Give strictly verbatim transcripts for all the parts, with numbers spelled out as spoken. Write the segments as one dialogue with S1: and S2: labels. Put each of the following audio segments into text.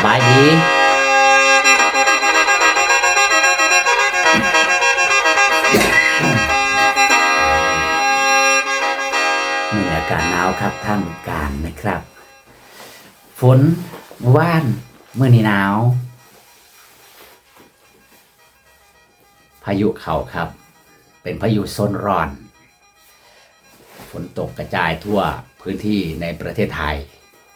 S1: บายดีมีอากาศหนาวครับท่ามกลางนะครับฝนเมื่อวานเมื่อนี้หนาวพายุเข้าครับเป็นพายุโซนร้อนฝนตกกระจายทั่วพื้นที่ในประเทศไทย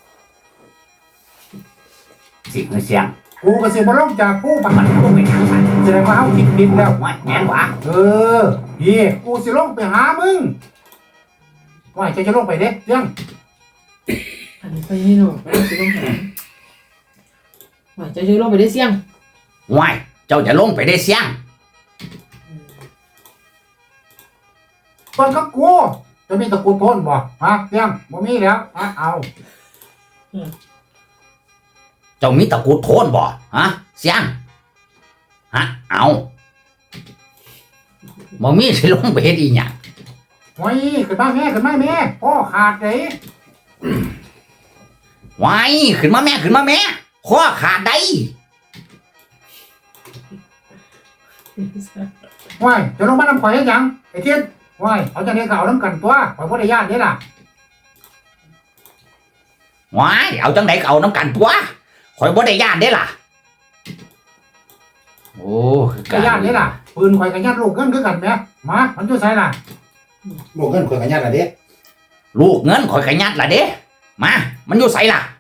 S1: สิ่งเสียง
S2: กูก็สิบ่ลงจากกูปะมัน
S1: ลงไปทางมัน
S2: แสดงว่าเฮาคิดผิดแล้ว
S1: ว่าแง่นวะ
S2: เออพี่กูสิลงไปหามึงว่าจะจะลงไปเด้ยัง
S3: อันนี้ไปนี่หนูไม่ต้องสิลงหาว่าจะจะลงไปได้เสี่ยง
S1: ว่ายเจ้าจะลงไปได้เสียง
S2: เปิ้นก็กูจะมีตะกูโทนบ่ฮะยังบ่มีแล้วฮะเอา
S1: เจ้ามีตะกูโทนบ่ฮะเสียงฮะเอาบ่มีสิลงไปเฮ็ดอีหยัง
S2: โอ้ยขึ้นมาแม่ขึ้นมาแม่พ่อขาดเด้
S1: ว้ายขึ้นมาแม่ขึ้นมาแม่ข้อขาดได้
S2: ว้ายจะลงมานำข่อยเฮ็ดหยังไอ้เทียนว้ายเอาจังได๋ก็เอานำกันตัวข่อยบ่ได้ญาติเด้ล่ะ
S1: ว้ายเอาจังได๋ก็เอานำกันตัวข่อยบ่ได้ญาติเด้ล่ะโอ้
S2: ก็ญาติเด้ล่ะปืนข่อยก็ญาติลูกเงินคือกันแหมมามันอยู่ไสล่ะ
S4: ลูกเงินข่อยก็ญาติล่ะเด้
S1: ลูกเงินข่อยก็ญาติล่ะเด้มามันอยู่ไสล่ะ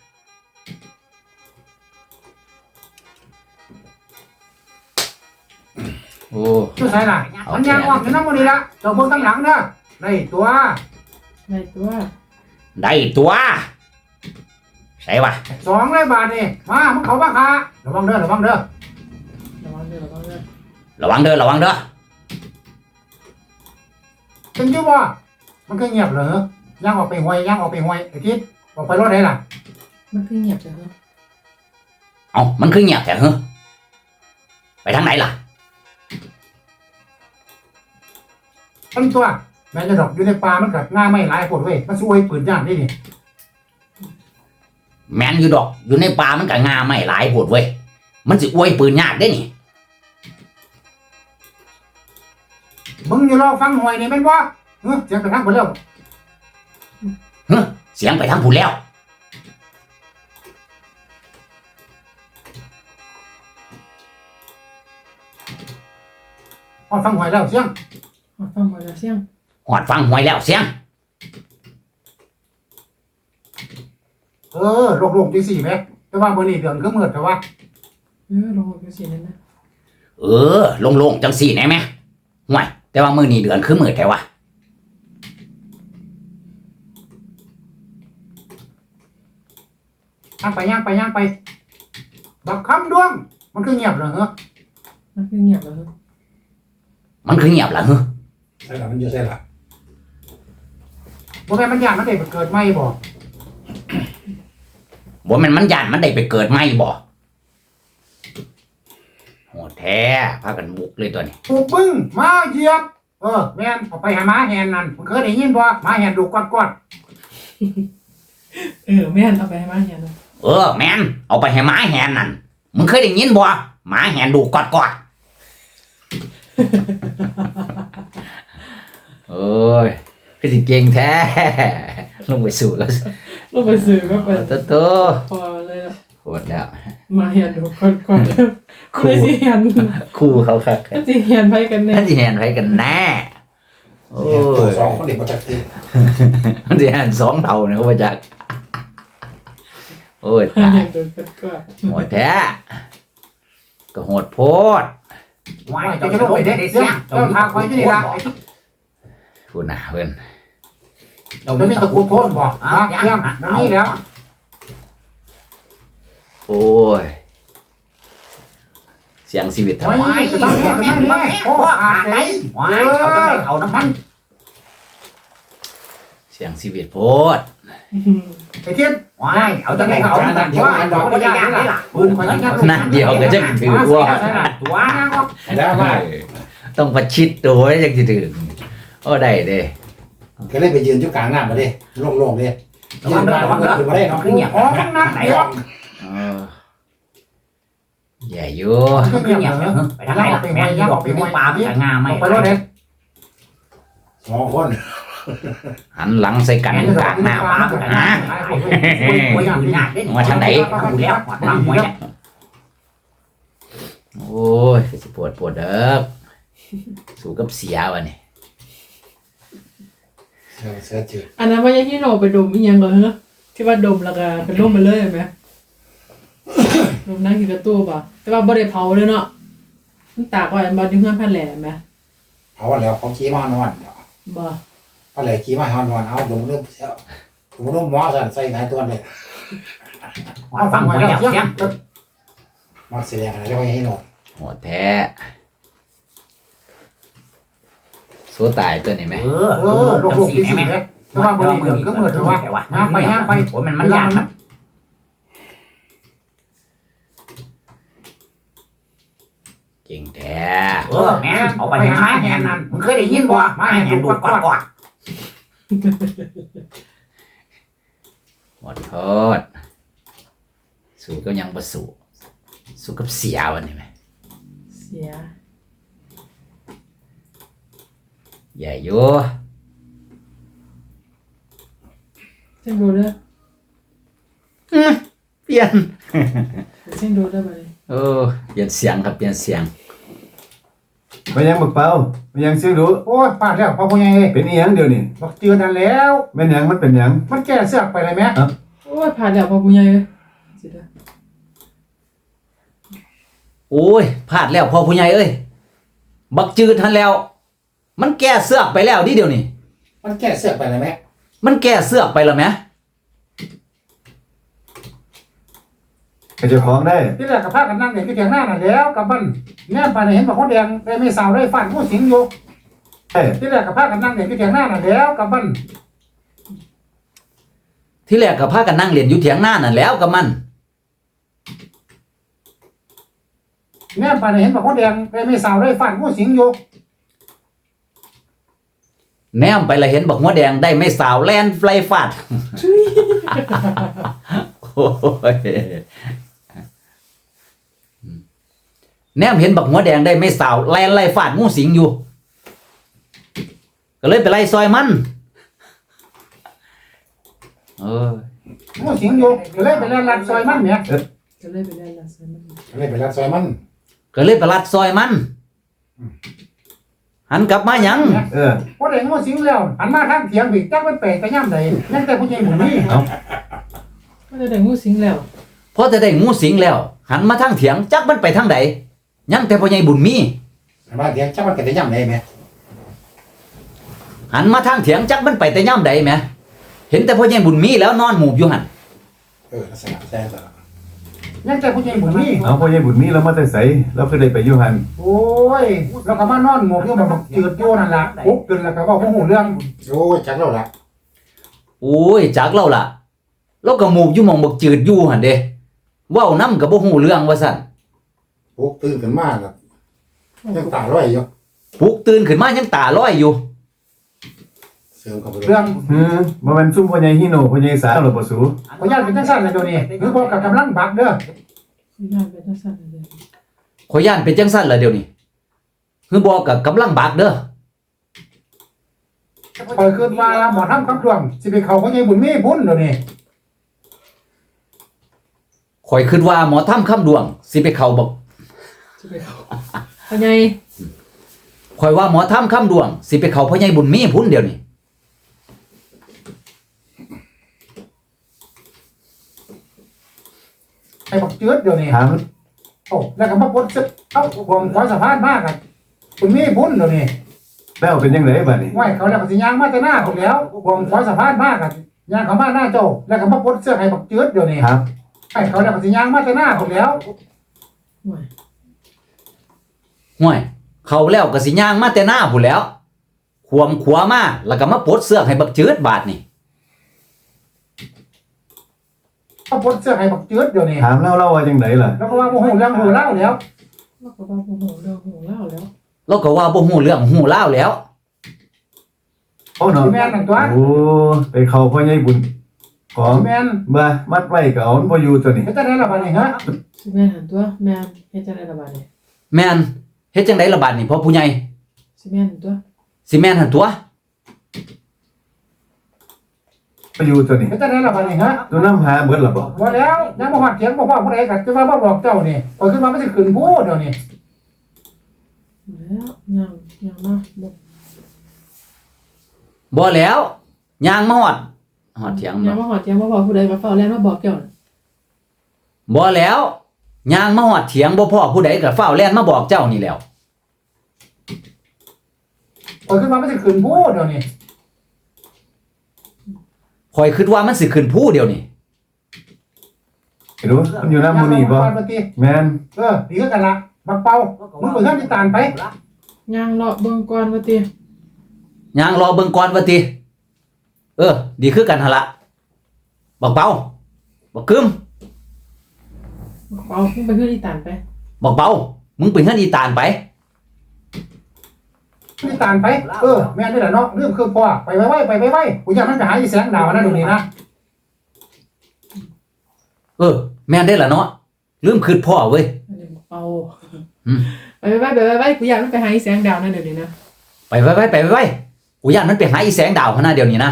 S1: โอ้
S2: อยู่ไสล่ะมันย่างออกอยู่นำบ่นี่ล่ะเจ้าเบิ่งข้างหลังเด้อได้ตัว
S3: ได้ตัว
S1: ได้ตัวใช่ปะ
S2: สองร้อยบาทนี่มามึงเขาบ้าค่ะระวังเด้อระวังเด้อ
S3: ระวังเด้อระวังเด้อ
S1: ระวังเด้อระวังเด้อ
S2: เป็นอยู่บ่มันก็เงียบเหรอย่างออกไปห้วยย่างออกไปห้วยไอ้ทิศออกไปรถไหนล่ะ
S3: มันคือเงียบจังเหรอ
S1: เอ้ามันคือเงียบแท้เหรอไปทางไหนล่ะ
S2: ตั้งตัวแม่จะดอกอยู่ในป่ามันกัดง่าไม่หลายปวดเว้ยมันช่วยปืนย่างนี่นี่
S1: แมนอยู่ดอกอยู่ในป่ามันก็งาไม่หลายโพดเว้ยมันสิอวยปืนยากได้นี่
S2: มึงอยู่รอฟังหวยนี่แม่นบ่เฮ้ยเสียงไปทางพุ่นแล้ว
S1: เฮ้ยเสียงไปทางพุ่นแล้ว
S2: ฮอดฟังหวยแล้วเสียง
S3: ฮอดฟังหวยแล้วเสียง
S1: ฮอดฟังหวยแล้วเสียง
S2: เออโลกๆจังซี่แหมแต่ว่ามื้อนี้เดือนก็มืดแต่ว่า
S3: เออโลกจังซี่นั่นนะ
S1: เออโล่งๆจังซี่แน่แม่ห่วยแต่ว่ามื้อนี้เดือนคือมืดแท้วะ
S2: ย่างไปย่างไปย่างไปบักคำดวงมันคือเงียบเหรอเหรอ
S3: มันคือเงียบเหรอ
S1: มันคือเงียบเหรอเหรอ
S4: ใช่ล่ะมันอยู่ใช่ล่ะ
S2: บ่แม่นมันย่านมันได้เกิดใหม่บ่
S1: บ่แม่นมันย่านมันได้ไปเกิดใหม่บ่โหแท้พากันบุกเลยตัวนี้
S2: ปลูกบึ้งมาเหยียบเออแม่นเอาไปหาหมาแหนนั่นมึงเคยได้ยินบ่หมาแหนดูกอด
S3: ๆเออแม่นเอาไปให้หมาแหนนั่น
S1: เออแม่นเอาไปให้หมาแหนนั่นมึงเคยได้ยินบ่หมาแหนดูกอดๆโอ้ยคือสิเก่งแท้ลงไปสู่แล้ว
S3: ลงไปสู่ก็ไป
S1: โตโต
S3: พอเลย
S1: โหดแล้ว
S3: มาเห็นดูก่อนๆคู่สิเห็น
S1: คู่เขาคัก
S3: มันสิเห็นไปกันแน่
S1: มันสิเห็นไปกันแน่โอ้
S4: ยสองคนเด็กมาจากที่
S1: มันสิเห็นสองเท่าเนี่ยเขามาจากโอ้ยตายโหดแท้ก็โหดโพด
S2: ว้ายจะลงไปเด้เสียเจ้าทางคอยอยู่นี่ล่ะ
S1: พูดหน้าเพิ่น
S2: เราไม่มีตะกูโทนบ่ฮะเรื่องมันมีแล้ว
S1: โอ้ยเสียงชีวิตทำไม
S2: จะต้องแม่แม่แม่โอ้อาไหน
S1: ว้ายเอาจังได๋เอาน้ำมันเสียงชีวิตโพด
S2: ไอ้เทียน
S1: ว้ายเอาจังได๋เอาน้ำมันว่าดอกบ่ได้ยากนี่ล่ะปืนข่อยยังนั่นเดียวก็จังถือว่า
S2: ตัว
S4: แล้วมา
S1: ต้องประชิดตัวจังสิถึงโอ้ได้เด้
S4: ก็เลยไปยืนอยู่กลางหน้ามาเด้โล่งๆเด้
S1: ระวังเด้อระวังเด้อ
S4: บ่ได้เนาะ
S2: คือเงียบอ๋อมันนักไหนวะ
S1: เออญ่อยู่
S2: ก็เงียบเนาะไปทางไหนล่ะแม่ย่างออกไปในป่ามันจะงามไหมไปรถเด็ด
S4: สองคน
S1: หันหลังใส่กันกลางหน้าป่าพุ่นนะ มาทางไหน
S2: อยู่แล้ววางหวยเนี่ย
S1: โอ้ยสิปวดปวดเด้อสู้กับเสียวะนี่
S4: เสือเสือจืด
S3: อันนั้นว่ายังที่โนไปดมอีหยังเหรอฮะที่ว่าดมแล้วก็เป็นร่มไปเลยเห็นไหม ดมนั่งอยู่กับตู้ป่ะแต่ว่าบ่ได้เผาเลยเนาะมันตากไว้บ่ดึงเงินพันแหล่ไหม
S4: เอาแล้วเขาขี่มานอน
S3: บ่
S4: อะไรขี่มานอนเอาดมเริ่มเสียวดมเริ่มหมอสั่นใส่ไหนตัวเลย
S2: ฟังหวยแล้วเสียง
S4: มาแสดงอะไรไว้ให้หนอน
S1: โหดแท้สู้ตายตัวนี้ไหม
S2: เออเออลูกลูกที่สี่แม่แต่ว่าบริเวณก็เหมือนถือว่าย่างไปย่างไปโอ้มันมันยากนะ
S1: เก่งแท้
S2: เออแม่เอาไปหาแหนนั่นมึงเคยได้ยินบ่มาแหนดูดกอดกอด
S1: หมดโทษสู้ก็ยังบ่สู้สู้กับเสียวันนี้ไหม
S3: เสีย
S1: ใหญ่อยู่
S3: เส้นดูเด้อ
S1: เปลี่ยน
S3: เส้นดูเด้อบ่เลย
S1: เออเปลี่ยนเสียงครับเปลี่ยนเสียง
S5: มันยังบักเป่ามันยังซื้อดู
S2: โอ้ยปาดแล้วพ่อพ่อใหญ่
S5: เป็นอีหยังเดียวนี่
S2: บอกเจือนั่นแล้ว
S5: แม่นหยังมันเป็นหยัง
S2: มันแก้เสือกไปเลยแม่
S3: โอ้ยผ่านแล้วพ่อผู้ใหญ่เอ้ยสิเด้อ
S1: โอ้ยพลาดแล้วพ่อผู้ใหญ่เอ้ยบักจืดทันแล้ว มันแก้เสือกไปแล้วดิเดี๋ยวนี้
S4: มันแก้เสือกไปเลยแม่
S1: มันแก้เสือกไปแล้วไหม
S5: ให้เจ้าของได้
S2: ที่แรกกับพากันนั่งเด็กที่เถียงหน้าน่ะแล้วกับมันแน่ไปเห็นบอกคนแดงได้ไม่สาวได้ฟันผู้สิงอยู่
S5: เอ้ย
S2: ที่แรกกับพากันนั่งเด็กที่เถียงหน้าน่ะแล้วกับมัน
S1: ที่แรกก็พากันนั่งเรียนอยู่เถียงหน้านั่นแล้วกับมัน
S2: แน่ไปเห็นบอกคนแดงได้ไม่สาวได้ฟันผู้สิงอยู่
S1: แนมไปและเห็นบอกหัวแดงได้ไม่สาวแลนไฟฟาด โอ้ยแนมเห็นบักหัวแดงได้ไม่สาวแลนไล่ฟาดงูสิงอยู่ ก็เลยไปไล่ซอยมันเออ
S2: ผู้สิงอยู่ก็เลยไปเล่นลัดซอยมันเนี่ย
S3: ก็เลยไปได้ละใส่มัน
S4: เลยไปรักซอยมัน
S1: ก็เลยไปลัดซอยมัน หันกลับมาหยัง
S5: เออ
S2: พอได้งูสิงแล้วหันมาทางเถียงบิกจักมันแปลกแต่ย่ำใดนั่นแต่ผู้ใหญ่หมู่นี่
S3: ก็ได้ได้งูสิงแล้ว
S1: พอจะได้งูสิงแล้ว หันมาทางเถียงจักมันไปทางใดยังแต่พ่อใหญ่บุญมี
S4: บ้านเถียงจับมันกันได้ย่ำเลยแม่
S1: หันมาทางเถียงจักมันไปแต่ย่ำใดแหมเห็นแต่พ่อใหญ่บุญมีแล้วนอนหมูบอยู่หัน
S4: เออลักษณะแซ่บ
S2: นั่นแต่ผู้ใหญ่หมู่นี่
S5: เอาพ่อใหญ่บุญมีแล้วมาแต่ใสเราคือได้ไปอยู่หัน
S2: โอ้ยแล้วก็มานอนหมกอยู่แบบจืดโยนั่นล่ะปุ๊บขึ้นแล้วก็บอกว่าหูเรื่อง
S4: โอ้ยจักเราละ
S1: โอ้ยจักเล่าล่ะแล้วก็หมูบอยู่หมองบักจืดอยู่หันเด้เว้านํกับบ่ฮู้เรื่องว่าซั่น
S4: ปุ๊บตื่นขึ้นมาแล้วยังตาลอยอยู่
S1: ปลุกตื่นขึ้นมายังตาลอยอยู่
S4: เสริมเข้าไป
S2: เรื่อง
S5: เออบ่แม่นซุ่มพ่อใหญ่ฮิโนพ่อใหญ่สาวหรอกบ่สู
S2: ขออนุญาตเป็นจังซั่นเลยเดี๋ยวนี้หรือบอกกับกำลังบักเด้อ
S3: สิงานไปจังซั่นเลย
S1: ขอยย่านเป็นจังซั่นล่ะเดี๋ยวนี้คือบอกกับกำลังบักเด้อ
S2: คอยคืนว่าหมอทำคำทวงสิไปเขาผู้ใหญ่บุญมีบุญเดี๋ยวนี้
S1: ข่อยคิดว่าหมอทำคำดวงสิไปเข้าบอก
S3: สิไปเขาพ่อใหญ่
S1: ข่อยว่าหมอทำคำดวงสิไปเข้าพ่อใหญ่บุญมีพุ่นเดี๋ยวนี้
S2: ไอ้บักจืดเดี๋ยวนี้
S5: ถาม
S2: โอ้แล้วก็มาปลดซึกเอ้าผมขอสะพานมากอ่ะบุญมีบุญเดี๋ยวนี้
S5: แล้วเป็นจังไดบัดนี้
S2: ไหวเขาแล้วก็สิย่างมาแต่หน้าผมแล้วผมขอสะพานมากอ่ะย่างเขามาหน้าเจ้าแล้วก็มาปลดเสื้อให้บักจืดเดี๋ยวนี้
S5: ครับ
S2: ไอ้เขาแล้วก็สิย่างมาแต่หน้าผมแล้ว
S3: ห่วย
S1: ห่วย เขาแล้วก็สิย่างมาแต่หน้าพุ่นแล้ว ขวมขวามาแล้วก็มาปลดเสื้อให้บักจืดบาดนี่
S2: มาปลดเสื้อให้บักจืดเดี๋ยวนี้
S5: ถามเล่าเล่าว่าจังไดล่ะ
S2: แล้วก็ว่าโมโหเรื่องโหเล่าแล้ว
S3: แล้วก็ว่าโอ้โหเรื่องโหเล่าแล้ว
S1: แล้วก็ว่าบ่ฮู้เรื่องฮู้ราวแล้ว
S5: โอ้เนาะ
S2: แม่นหนึ่งตัว
S5: โอ้ไปเข้าพ่อใหญ่บุญของ
S2: แม่น
S5: มามัดไว้ก็เอามันบ่อยู่ตัวนี้
S2: เฮ็ดจังได๋ล่ะบัดนี้ฮะ
S3: สิแม่นหันตัวแม่นเฮ็ดจังได๋ล่ะบัดนี้
S1: แม่นเฮ็ดจังได๋ล่ะบาดนี่พ่อผู้ใหญ่
S3: สิแม่นหันตัว
S1: สิแม่นหั่นตัว
S5: บ่อยู่ตัวนี้
S2: เฮ็ดจังได๋ล่ะบัดนี้ฮะ
S5: ตัวน้ำหาเบิดล่ะบ่
S2: บ่แล้วยังบ่ฮอดเถียงบ่พ่อผู้ใดก็จะว่าบ่บอกเจ้านี่ข่อยคิดว่ามันสิขึ้นผู้เดี๋ยวนี้
S3: แล้วยังยังมาบ่
S1: บ่แล้วย่างมาฮอดฮอดเถียง
S3: ยัง
S1: บ่
S3: มาหอดยังมาบอกผู้ใดก็เฝ้าแล้วมาบอกเจ้าน่ะ
S1: บ่แล้วย่างมาฮอดเถียงบ่พ่อผู้ใดก็ฟ้าวแล่นมาบอกเจ้านี่แหล้ว
S2: ข่อยคิดว่ามันสิขึ้นผู้เดี๋ยวนี้
S1: ข่อยคิดว่ามันสิขึ้นผู้เดียวนี่
S5: ไอ้รู้มันอยู่น้ำหมู่นี่บ่
S2: ยังบ่ติ
S5: แม่น
S2: เออดีคือกันล่ะบักเป่ามึงไปเฮือนที่ตานไป
S3: ยังเลาะเบิ่งก่อนว่าติ
S1: ย่างรอเบิ่งก่อนว่าติเออ ดีคือกันหั่นล่ะบักเปาบักกึม
S3: เอาขึ้นไปเฮือนอีตานไป
S1: บักเปามึงไปเฮือนอีตานไป
S2: ที่ตานไปเออแม่นนี่แหละเนาะเรื่องคือพ่อไปไว้ๆไปไว้ๆกูอยากมันไปหาอีแสงดาวนะเดี๋ยวนี้นะ
S1: เออ แม่นได้ล่ะเนาะลืมคิดพ่อเว้ย
S3: อันนี้บอกเอา
S1: อืม
S3: ไปไปไปไปไปกูอยากมันไปหาอีแสงดาวนั่นเดี๋ยวนี้นะ
S1: ไปไว้ไว้ไปไว้ไว้กูย่านมันไปหาอีแสงดาวขนาดเดียวนี้นะ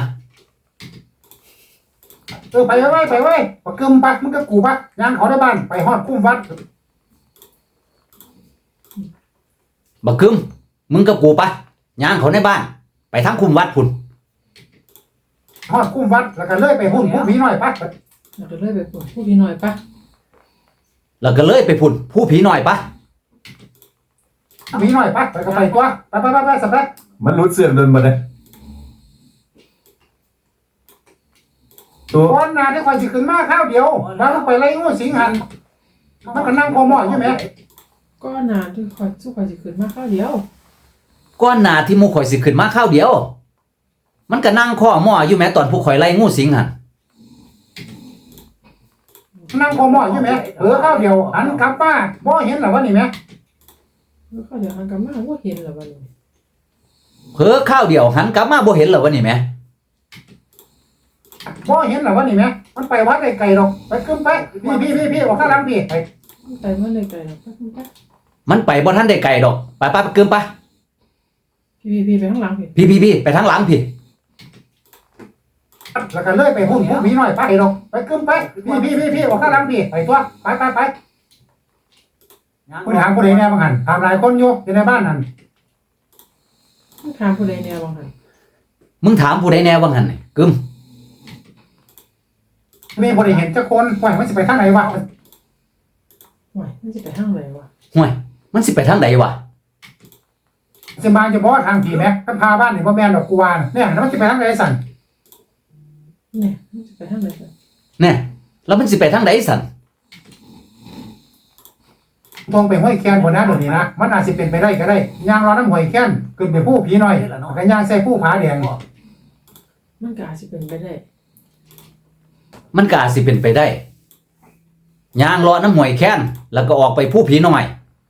S2: เออไปไว้ๆไปไว้ปะกึมปะมึงกับกูปะยางเขาได้บ้านไปฮอดคุ้มวัด
S1: บักกึมมึงกับกูปะย่างเขาในบ้าน ไปทางคุมวัดพุ่น
S2: ฮอดคุ้มวัดแล้วก็เลยไปหุ่นผู้ผีน้อยปะ
S3: เราจะเลยไปปวดผู้พี่หน่อยปะ
S1: แล้วก็เลยไปพุ่นผู้ผีหน่อยปะ
S2: ผีน้อยปะไปก็ไปตัวไปไปไปไปสับไป
S5: มันรุดเสือกโดนบ่ได้ตัว
S2: ก่อนหน้าที่ข่อยสิขึ้นมาข้าวเดียวแล้วลงไปไล่งูสิงหันมันก็นั่งคอหม้ออยู่แหม
S3: ก็นานที่คอยสู้คอยสิขึ้นมาข้าวเดียว
S1: ก้อนหนาที่หมูข่อยสิขึ้นมาข้าวเดียว มันก็นั่งข้อหม้ออยู่แม้ตอนผู้ข่อยไล่งูสิงหั่น
S2: นั่งคอหม้ออยู่แหมเออข้าวเดียวหันกลับมาบ่เห็นหรอวะนี่แหม
S3: แล้วก็เดี๋ยวหันกลับมาว่าเห็นแล้ววันนี้
S1: เผลอข้าวเดียวหันกลับมาบ่เห็นเหรอวะนี่แหม่
S2: บ่เห็นหรอวะนี่แหมมันไปวัดไกลๆดอกไปขึ้นไปพี่พี่พี่พี่ออกข้างหลังพี่ไป
S3: ไปเมื่อไรไกลแล้วไปไป
S1: มันไปบ่ทันได้ไกลดอกไปไปไปเกินไป
S3: พี่พี่ไปข้างหลังพี่
S1: พี่พี่พี่ไปทางหลังพี่
S2: แล้วก็เลยไปหุ่นผู้ผีน้อยปะไอ้ดอกไปขึ้นไปพี่พี่พี่พี่ออกข้างหลังพี่ไปตัวไปไปไปคุณถามผู้ใดแน่บ้างหันถามหลายคนอยู่อยู่ในบ้านนั่น
S3: ถามผู้ใดแนวบางหัน
S1: มึงถามผู้ใดแน่ว่างั้นนี่กึม
S2: มีผู้ใดเห็นจักคนว่ามันสิไปทางไหนวะ
S3: ว้ายมันจะไปทางไหนวะ
S1: ห่วยมันสิไปทางใดวะ
S2: สิมาจะบ่ทางผีแม็กกันพาบ้านนี่บ่แม่นดอกกูว่าน่ะเนี่ยแล้วมันสิไปทางไหนสั่น
S3: เนี่ยมันจะไปทางไหนกัน
S1: แน่แล้วมันสิไปทางใดสั่น
S2: ตรงไปห้วยแคนบ่นะเดี๋ยวนี้นะมันอาจสิเป็นไปได้ก็ได้ย่างรอน้ำห้วยแคนขึ้นไปผู้ผีน้อยแล้วก็ย่างใส่ผู้ผาแดง
S3: มันก็อาจจะเป็นไปได้
S1: มันก็อาจสิเป็นไปได้ย่างเลาะน้ำห้วยแค้นแล้วก็ออกไปผู้ผีน้อย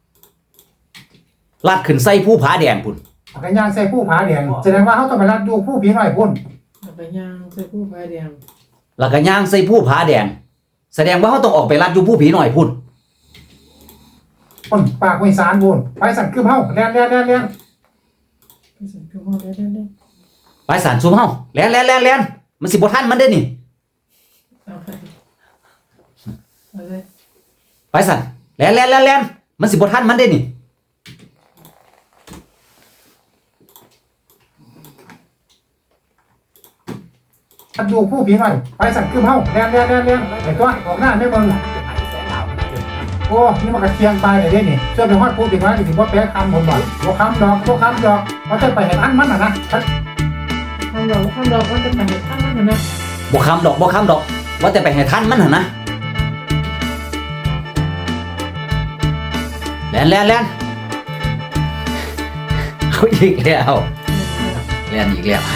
S1: ลัดขึ้นใส่ผู้ผาแดงพุ่น
S2: แล้วก็ย่างใส่ผู้ผาแดงแสดงว่าเฮาต้องไปรัดดูผู้ผีน้อยพุ่น
S3: แล้วก็ย่างใส่ผู้พายแดง
S1: แล้วก็ย่างใส่ผู้ผาแดง แสดงว่าเขาต้องออกไปลัดอยู่ผู้ผีน้อยพุ่น
S2: พุ่นปากไว้สารพุ่นไปสั่นคือเฮาแล่นแล่นแล่นแล่น
S3: ไปสั่งคือห้องได้ได้ได้
S1: ไปสารซุมเฮาแล่นแล่นแล่นแล่นมันสิบ่ทันมันเด้นี่
S3: เอาไปเอาเลย
S1: ไปสั่นแล่นแล่นแล่นแล่นมันสิบ่ทันมันเด้นี่
S2: รัดดูผู้ผีน้อยไปสั่นคือเฮาแล่นแล่นแล่นแล่นไอ้ตัวออกหน้าไม่เบิ่งโอ้นี่มันก็เคียงไปเลยเด้นี่ช่วยไปฮอดผู้ผีน้อยสิบ่แปลคำผมบ่บ่คำดอกบ่คำดอกว่าจะไปให้ทันมันน่ะนะ
S3: ทำดอกทำดอกมันจะไปเห็นทางนั้นนะ
S1: บ่คำดอกบ่คำดอก ว่าแต่ไปให้ทันมันหั่นนะแล่นแล่นแล่นเอาอีกแล้วแล่นอีกแล้ว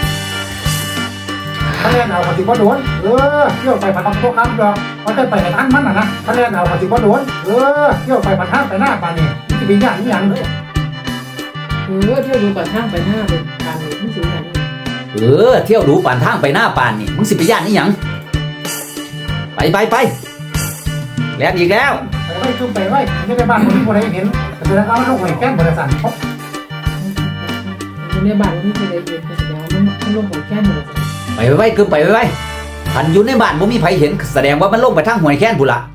S2: ถ้าเล่นเอาปฏิบัติโดนเออเที่ยวไปผัดทำโต๊ะคำดอกว่าจะไปให้ทันมันน่ะนะถ้าเล่นเอาปฏิบัติโดนเออเที่ยวไปผัดทางไปหน้าปานนี่มันจะเป็นอย่างนี้อย่างเลย
S3: เออเที่ยวดูก่อนทางไปหน้าเป็นทางนี้มันสูงไหน
S1: เออเที่ยวดูป่านทางไปหน้าป่านนี่มึงสิไปย่านนี่หยัง
S3: เ
S1: ไปไปไปแล้วอีกแล้ว
S2: ไปไว้คือไปไว้ไม่ได้บ้านคนที่คนใดเห็นแสดงว่ามันลูกหอยแก้มบริษัทเขา
S3: อยู่ในบ้านมันไม่เคยได้ยินแสดงว่ามันมันลงหัวแค่หนึ่ง
S1: ไปไปไปคือไปไปไปพันอยู่ในบ้านบ่มีไผเห็นแสดงว่ามันลงไปทางหวยแค้นพุ่นละ